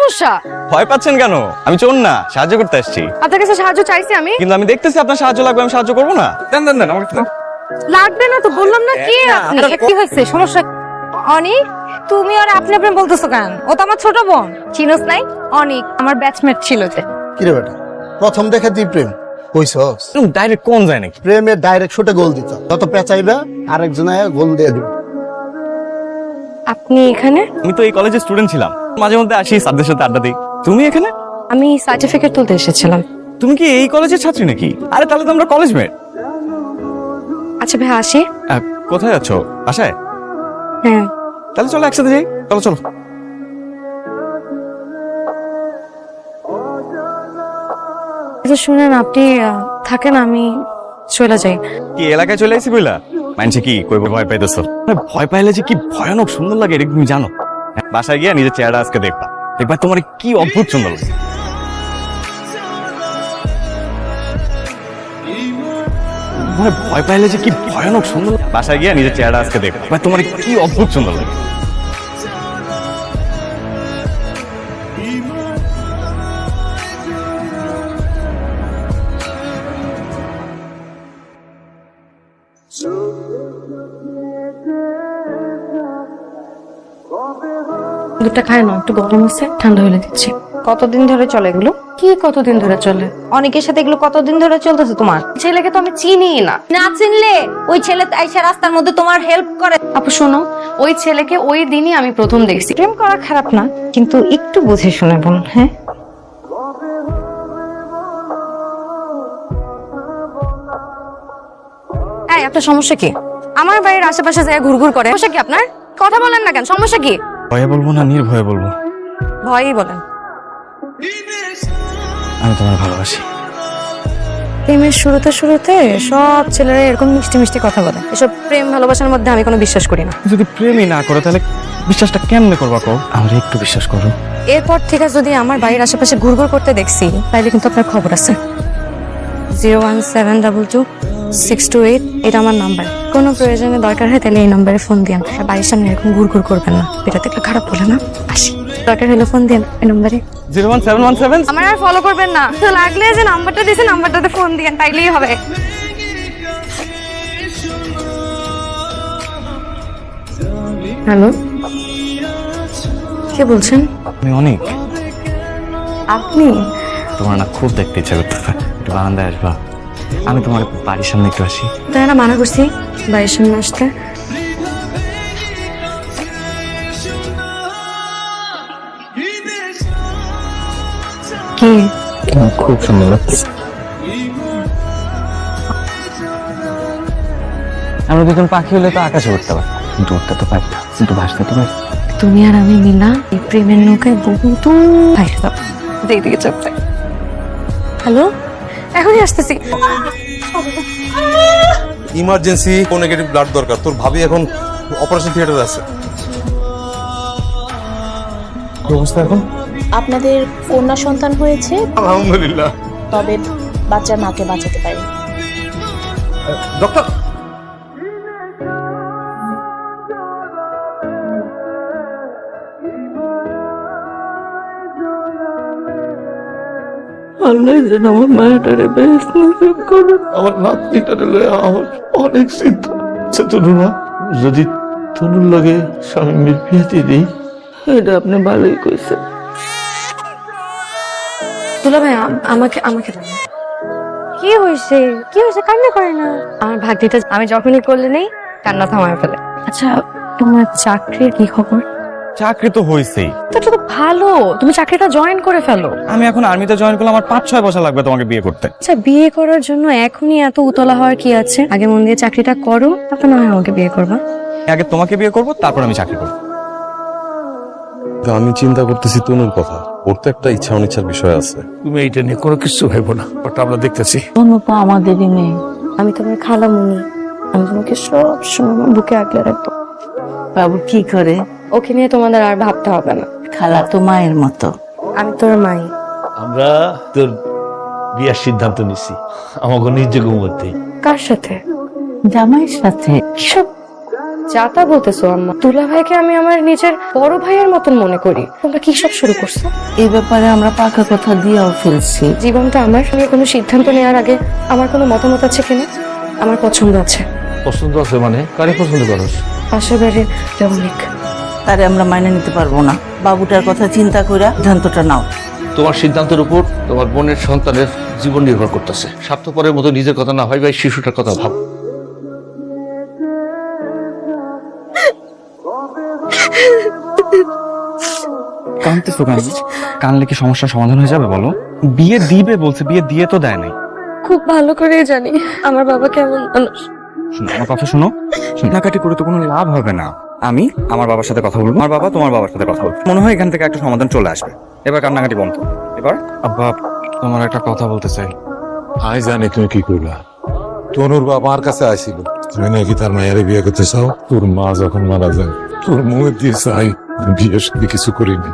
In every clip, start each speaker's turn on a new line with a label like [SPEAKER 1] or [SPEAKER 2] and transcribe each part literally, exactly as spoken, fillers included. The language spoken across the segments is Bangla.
[SPEAKER 1] সমস্যা?
[SPEAKER 2] ভয় পাচ্ছেন কেন? আমি চোর না, সাহায্য করতে আসছি।
[SPEAKER 1] আপনার কাছে সাহায্য চাইছি আমি।
[SPEAKER 2] কিন্তু আমি দেখতেছি আপনার সাহায্য লাগবে, আমি সাহায্য করবো না। দেন দেন দেন আমাকে দেন।
[SPEAKER 1] লাগবে না তো বললাম না। কি আপনি কি হয়েছে? সমস্যা অনিক? তুমি আর আপনি আপনি বলতেছো কেন? ও তো আমার ছোট বোন, চিনোস নাই? অনিক আমার ব্যাচমেট ছিল যে।
[SPEAKER 3] কি রে বেটা, প্রথম দেখে তুই প্রেম কইছস?
[SPEAKER 2] ডাইরেক্ট কোন যায় নাকি?
[SPEAKER 3] প্রেমের ডাইরেক্ট শুটে গোল দিত, যত পেঁচাইবা আরেকজন আয়া গোল দিয়ে দিবে।
[SPEAKER 1] আপনি এখানে?
[SPEAKER 2] আমি তো এই কলেজের স্টুডেন্ট ছিলাম, মাঝে মধ্যে আসি স্যারদের সাথে আড্ডা দিই। তুমি এখানে?
[SPEAKER 1] আমি সার্টিফিকেট তুলতে এসেছিলাম।
[SPEAKER 2] তুমি কি এই কলেজের ছাত্রী নাকি? আরে তাহলে তো আমরা কলেজ মেট।
[SPEAKER 1] আচ্ছা ভাই আসি।
[SPEAKER 2] কোথায় যাচ্ছ? বাসায়?
[SPEAKER 1] হ্যাঁ।
[SPEAKER 2] তাহলে চলো একসাথে যাই। চলো চলো।
[SPEAKER 1] আচ্ছা শুনেন, আপনি আহ, থাকেন, আমি চলে যাই।
[SPEAKER 2] কি এলাকায় চলে আসি বইলা? মানছে কি কইব ভয় পাইতেছো? ভয় পাইলে যে কি ভয়ানক সুন্দর লাগে এটা তুমি জানো? বাসায় গিয়া নিজের চেহারা আজকে দেখবা, দেখবা তোমার কি অদ্ভুত সুন্দর লাগে। মানে ভয় পাইলে যে কি ভয়ানক সুন্দর। বাসায় গিয়া নিজের চেহারা আজকে দেখবা, দেখবা তোমার কি অদ্ভুত সুন্দর লাগে।
[SPEAKER 1] দুধটা খায় না, একটু গরম আছে, ঠান্ডা হলে দিচ্ছি। কতদিন ধরে চলে এগুলো? কি কতদিন ধরে চলে? অনেকের সাথে এগুলো কতদিন ধরে চলতেছে তোমার? ছেলেকে তো আমি চিনি না। না চিনলে ওই ছেলে আইসা রাস্তার মধ্যে তোমার হেল্প করে। আপু শোনো, ওই ছেলেকে ওই দিনই আমি প্রথম দেখছি। প্রেম করা খারাপ না, কিন্তু একটু বুঝে শুনে বোন। হ্যাঁ এই, আপনার সমস্যা কি? আমার বাড়ির আশেপাশে যায় ঘুরঘুর করে, সমস্যা কি আপনার? কথা বলেন না কেন? সমস্যা কি?
[SPEAKER 2] ভয়ে বলবো না নির্ভয়ে বলবো?
[SPEAKER 1] ভয়ই বলেন।
[SPEAKER 2] আমি তোমার ভালোবাসি।
[SPEAKER 1] প্রেমের শুরুতে শুরুতে সব ছেলেরা এরকম মিষ্টি মিষ্টি কথা বলে। এসব প্রেম ভালোবাসার মধ্যে আমি কোনো বিশ্বাস করি না।
[SPEAKER 2] যদি প্রেমই না করো তাহলে বিশ্বাসটা কেমনে করবা? কও আমরা একটু বিশ্বাস করো।
[SPEAKER 1] এরপর থেকে যদি আমার বাড়ির আশেপাশে ঘুরঘুর করতে দেখছি, তাইলে কিন্তু আপনার খবর আছে। Zero one seven double two six two eight এটা আমার নাম্বার। কোনো প্রয়োজনে দরকার হয় তাহলে এই নাম্বারে ফোন দিন। আর বাড়ির সামনে এরকম ঘুরঘুর করবেন না, এটা দেখলে খারাপ বলে না। আসি, দরকার হলে ফোন দিন এই নাম্বারে।
[SPEAKER 2] Zero one seven one seven.
[SPEAKER 1] আমার আর ফলো করবেন না, তো লাগলে যে নাম্বারটা দিয়েছে নাম্বারটাতে ফোন দিন, তাইলেই হবে। হ্যালো, কে বলছেন?
[SPEAKER 2] আমি অনেক।
[SPEAKER 1] আপনি?
[SPEAKER 2] তোমার না খুব দেখতে ইচ্ছা করতেছে, একটু বারান্দায় আসবা? আমি তোমার বাড়ির সামনে একটু আসি।
[SPEAKER 1] তাই না মানা করছি বাড়ির সামনে আসতে। কি
[SPEAKER 2] খুব সুন্দর লাগছে। আমরা দুজন পাখি হলে তো আকাশে উঠতে পারি, কিন্তু উঠতে তো পারতাম, কিন্তু ভাসতে তো পারি।
[SPEAKER 1] তুমি আর আমি মিলা এই প্রেমের নৌকায় বহু দূর দিকে চলতে। হ্যালো, এখনই আসতেছি।
[SPEAKER 4] ইমার্জেন্সি ও নেগেটিভ ব্লাড দরকার। তোর ভাবি এখন অপারেশন থিয়েটারে আছে। কি অবস্থা এখন?
[SPEAKER 5] আপনাদের কন্যা সন্তান হয়েছে,
[SPEAKER 4] আলহামদুলিল্লাহ।
[SPEAKER 5] তবে বাচ্চার মাকে বাঁচাতে পারেন।
[SPEAKER 4] ডক্টর,
[SPEAKER 6] আল্লাহ যেন আমার মায়াটারে বেশ নসিব করুন। আমার নাতনিটারে লয়ে আমার অনেক চিন্তা হচ্ছে। তনুরা, যদি তনুর লগে স্বামীর বিয়ে দিয়ে দিই, এটা আপনি ভালোই কইছেন।
[SPEAKER 1] দুলা ভাই আমাকে আমাকে দাও। কি হয়েছে? কি হয়েছে? কান্না করে না। আমার ভাগ্যিটা আমি যখনই করলে নেই কান্না থামায় ফেলে। আচ্ছা তোমার চাকরির কি খবর?
[SPEAKER 2] চাকরি তো হয়েছেই।
[SPEAKER 1] তো এটা তো ভালো, তুমি চাকরিটা জয়েন করে ফেলো।
[SPEAKER 2] আমি এখন আর্মিতে জয়েন করলে আমার পাঁচ ছয় বছর লাগবে তোমাকে বিয়ে করতে।
[SPEAKER 1] আচ্ছা বিয়ে করার জন্য এখনই এত উতলা হওয়ার কি আছে? আগে মন দিয়ে চাকরিটা করো, তারপর না হয় আমাকে বিয়ে করবা।
[SPEAKER 2] আগে তোমাকে বিয়ে করবো, তারপর আমি চাকরি করবো।
[SPEAKER 4] আমি চিন্তা করতেছি তনুর কথা। ওর তো একটা ইচ্ছা অনিচ্ছার বিষয় আছে।
[SPEAKER 6] তুমি এইটা নিয়ে কোনো কিছু ভাইবো না, ওটা আমরা দেখতেছি।
[SPEAKER 5] অনুপা আমাদেরই মেয়ে।
[SPEAKER 1] আমি তোমার খালামুনি, আমি তোমাকে সব সময় বুকে আগলে রাখবো।
[SPEAKER 5] বাবু কি করে?
[SPEAKER 1] ওকে নিয়ে তোমাদের আর ভাবতে হবে না।
[SPEAKER 5] খালা তো মায়ের মতো।
[SPEAKER 1] আমি তোর মাই।
[SPEAKER 6] আমরা তোর বিয়ার সিদ্ধান্ত নিছি আমাকে নিজ মধ্যে।
[SPEAKER 1] কার সাথে?
[SPEAKER 5] জামাইয়ের সাথে।
[SPEAKER 1] কিসব যা তা বলতেছো আম্মা? দুলা ভাইকে আমি আমার নিজের বড় ভাইয়ের মতন মনে করি। তোমরা কি সব শুরু করছো?
[SPEAKER 5] এই ব্যাপারে আমরা পাকা কথা দিয়েও ফেলছি।
[SPEAKER 1] জীবনটা আমার, আমি কোনো সিদ্ধান্ত নেওয়ার আগে আমার কোনো মতামত আছে কিনা? আমার পছন্দ আছে।
[SPEAKER 6] পছন্দ আছে মানে কারে পছন্দ করস?
[SPEAKER 1] পাশের বাড়ির অনেক।
[SPEAKER 5] তারে আমরা মাইনে নিতে পারবো না। বাবুটার কথা চিন্তা করে সিদ্ধান্তটা নাও।
[SPEAKER 6] তোমার সিদ্ধান্তের উপর তোমার বোনের সন্তানের জীবন নির্ভর করতেছে। স্বার্থপরের মতো নিজের কথা না হয় ভাই, শিশুটার কথা ভাব।
[SPEAKER 2] কাঁদতেছো কেন? কানলে কি সমস্যার সমাধান হয়ে যাবে বলো? বিয়ে দিবে বলছে, বিয়ে দিয়ে তো দেয় নাই।
[SPEAKER 1] খুব ভালো করে জানি আমার বাবা কেমন মানুষ।
[SPEAKER 2] শোনো আমার কথা, শোনো। কান্নাকাটি করে তো কোনো লাভ হবে না। আমি আমার বাবার সাথে কথা বলবো, আমার বাবা তোমার বাবার সাথে কথা বলবো। মনে হয় এখান থেকে একটা সমাধান চলে আসবে। এবার কান্নাকাটি বন্ধ। এবার আব্বা, তোমার একটা কথা বলতে চাই।
[SPEAKER 7] আই জানি তুমি কি করলা। তনুর বাবা আমার কাছে আসছিল, তুমি নাকি তার মায়ের বিয়ে করতে চাও। তোর মা যখন মারা যায়, তোর মুখে দিয়ে চাই বিয়ের সাথে কিছু করিনি।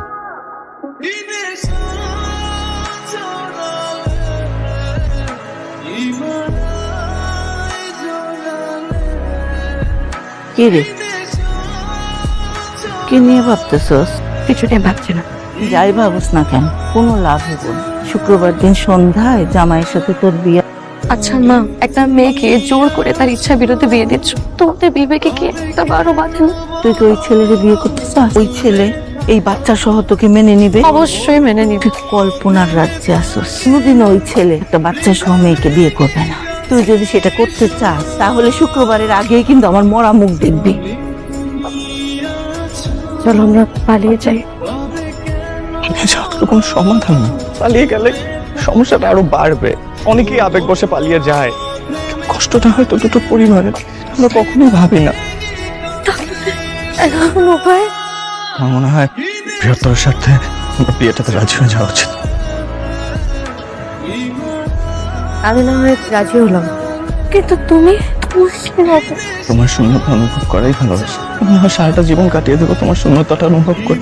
[SPEAKER 5] কি রে, কি নিয়ে ভাবতেছস?
[SPEAKER 1] কিছু নিয়ে ভাবছি না।
[SPEAKER 5] যাই ভাবস না কেন, কোনো লাভ হবে না। শুক্রবার দিন সন্ধ্যায় জামাইয়ের সাথে তোর বিয়ে।
[SPEAKER 1] আচ্ছা মা, একটা মেয়েকে জোর করে তার ইচ্ছা বিরুদ্ধে বিয়ে দিচ্ছ, তোমাদের বিবেকে কি একটা বারো বাঁধে না?
[SPEAKER 5] তুই কি ওই ছেলের বিয়ে করতে চাস? ওই ছেলে এই বাচ্চা সহ তোকে মেনে নিবে?
[SPEAKER 1] অবশ্যই মেনে নিবি।
[SPEAKER 5] তুই কল্পনার রাজ্যে আসস। কোনোদিন ওই ছেলে একটা বাচ্চা সহ মেয়েকে বিয়ে করবে না। তুই যদি সেটা করতে চাস তাহলে শুক্রবারের আগেই কিন্তু আমার মরা মুখ দেখবি।
[SPEAKER 1] চলো আমরা পালিয়ে যাই।
[SPEAKER 2] কোনো সমাধান না। পালিয়ে গেলে সমস্যাটা আরো বাড়বে। অনেকেই আবেগ বসে পালিয়ে যায়। কষ্টটা হয়তো দুটো পরিবারের, আমরা কখনোই ভাবি না।
[SPEAKER 1] এখন উপায়?
[SPEAKER 2] আমার মনে হয় বৃহত্তর স্বার্থে আমরা বিয়েটাতে রাজি হয়ে যাওয়া উচিত।
[SPEAKER 1] আমি না হয় রাজি হলাম, কিন্তু তুমি তোমার কি হবে?
[SPEAKER 2] তোমার শূন্যতা অনুভব করাই ভালোবাসা। আমি হয় সারাটা জীবন কাটিয়ে দেবো তোমার শূন্যতাটা অনুভব করে।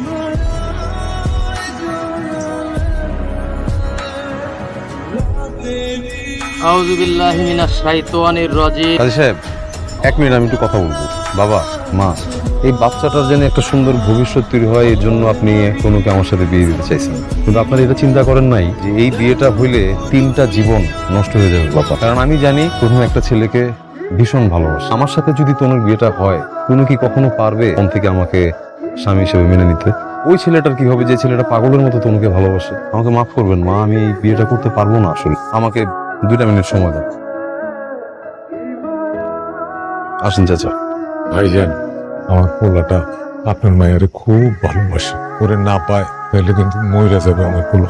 [SPEAKER 8] আউযু বিল্লাহি মিনাশ শাইতানির রাজিম।
[SPEAKER 4] কাজী সাহেব, এক মিনিট আমি একটু কথা বলবো। বাবা, মা, এই বাচ্চাটার যেন একটা সুন্দর ভবিষ্যৎ তৈরি হয়, এর জন্য আপনি তনুকে আমার সাথে বিয়ে দিতে চাইছেন। কিন্তু আপনারা এটা চিন্তা করেন নাই যে এই বিয়েটা হইলে তিনটা জীবন নষ্ট হয়ে যাবে বাবা। কারণ আমি জানি তনু একটা ছেলেকে ভীষণ ভালোবাসে। আমার সাথে যদি তনুর বিয়েটা হয়, তনু কি কখনো পারবে মন থেকে আমাকে স্বামী হিসেবে মেনে নিতে? ওই ছেলেটার কি হবে যে ছেলেটা পাগলের মতো তনুকে ভালোবাসে? আমাকে মাফ করবেন মা, আমি এই বিয়েটা করতে পারবো না। আসলে আমাকে দুইটা মিনিট সময় দেন। আসেন চাচা।
[SPEAKER 7] ভাইজান, আমার পোলাটা আপনার মায়ের খুব ভালোবাসে। ওরে না পায় তাহলে কিন্তু মইরা যাবে আমার পোলা।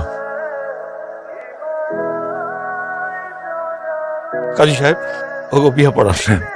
[SPEAKER 6] কাজী সাহেব, ওকে বিয়ে পড়াচ্ছেন।